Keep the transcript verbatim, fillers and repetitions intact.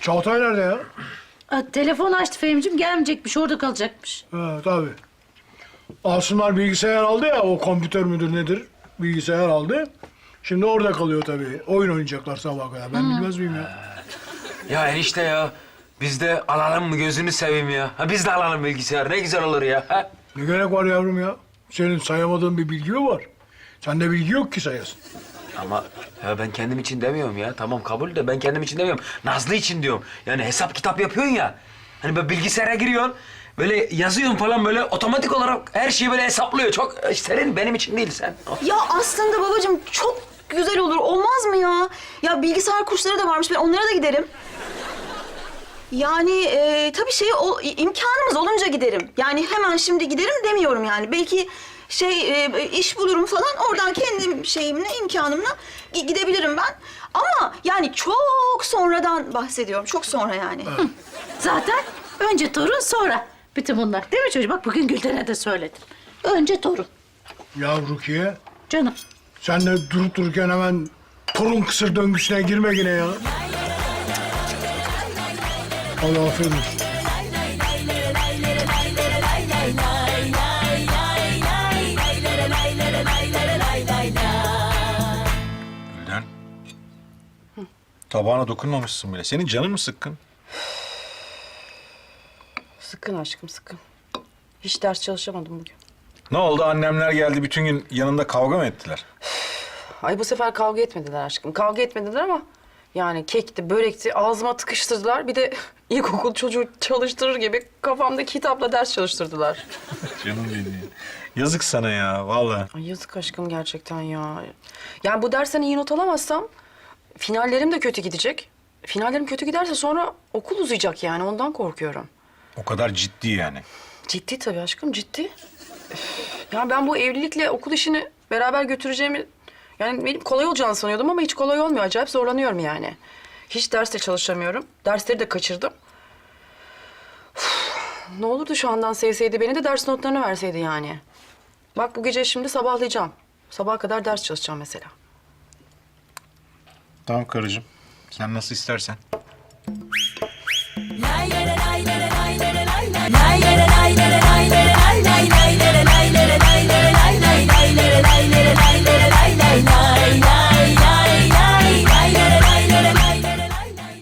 Çağatay nerede ya? Aa, telefon açtı Fehmi'cim, gelmeyecekmiş, orada kalacakmış. Ha, tabii. Asımlar bilgisayar aldı ya, o kompütör müdür nedir? Bilgisayar aldı. Şimdi orada kalıyor tabii. Oyun oynayacaklar sabaha kadar. Ben bilmez miyim ya? Ya enişte ya. Biz de alalım mı gözünü seveyim ya. Ha, biz de alalım bilgisayar. Ne güzel olur ya. Ha? Ne gerek var yavrum ya? Senin sayamadığın bir bilgi mi var? Sende bilgi yok ki sayasın. Ama ya ben kendim için demiyorum ya. Tamam kabul de ben kendim için demiyorum. Nazlı için diyorum. Yani hesap kitap yapıyorsun ya. Hani böyle bilgisayara giriyorsun. Böyle yazıyorsun falan böyle otomatik olarak her şeyi böyle hesaplıyor. Çok senin benim için değil sen. Ya aslında babacığım çok güzel olur. Olmaz mı ya? Ya bilgisayar kursları da varmış. Ben onlara da giderim. Yani e, tabii şey o, imkanımız olunca giderim. Yani hemen şimdi giderim demiyorum yani. Belki şey e, iş bulurum falan. Oradan kendi şeyimle, imkanımla gi- gidebilirim ben. Ama yani çok sonradan bahsediyorum. Çok sonra yani. Zaten önce torun, sonra bütün bunlar. Değil mi çocuğum? Bak bugün Gülden'e de söyledim. Önce torun. Ya Rukiye, Canım. sen de durup dururken hemen torun kısır döngüsüne girme yine ya. Allah aferin olsun. Gülden. Tabağına dokunmamışsın bile. Senin canın mı sıkkın? Sıkın aşkım, sıkın. Hiç ders çalışamadım bugün. Ne oldu? Annemler geldi bütün gün yanında kavga mı ettiler? Ay bu sefer kavga etmediler aşkım. Kavga etmediler ama yani kekti, börekti, ağzıma tıkıştırdılar. Bir de ilkokul çocuğu çalıştırır gibi kafamda kitapla ders çalıştırdılar. Canım benim. Yazık sana ya vallahi. Ay yazık aşkım gerçekten ya. Yani bu dersten iyi not alamazsam finallerim de kötü gidecek. Finallerim kötü giderse sonra okul uzayacak yani ondan korkuyorum. O kadar ciddi yani. Ciddi tabii aşkım, ciddi. Üf, ya ben bu evlilikle okul işini beraber götüreceğimi... Yani benim kolay olacağını sanıyordum ama hiç kolay olmuyor. Acayip zorlanıyorum yani. Hiç ders de çalışamıyorum. Dersleri de kaçırdım. Üf, ne olurdu şu andan sevseydi beni de ders notlarını verseydi yani. Bak bu gece şimdi sabahlayacağım. Sabaha kadar ders çalışacağım mesela. Tamam karıcığım. Sen nasıl istersen.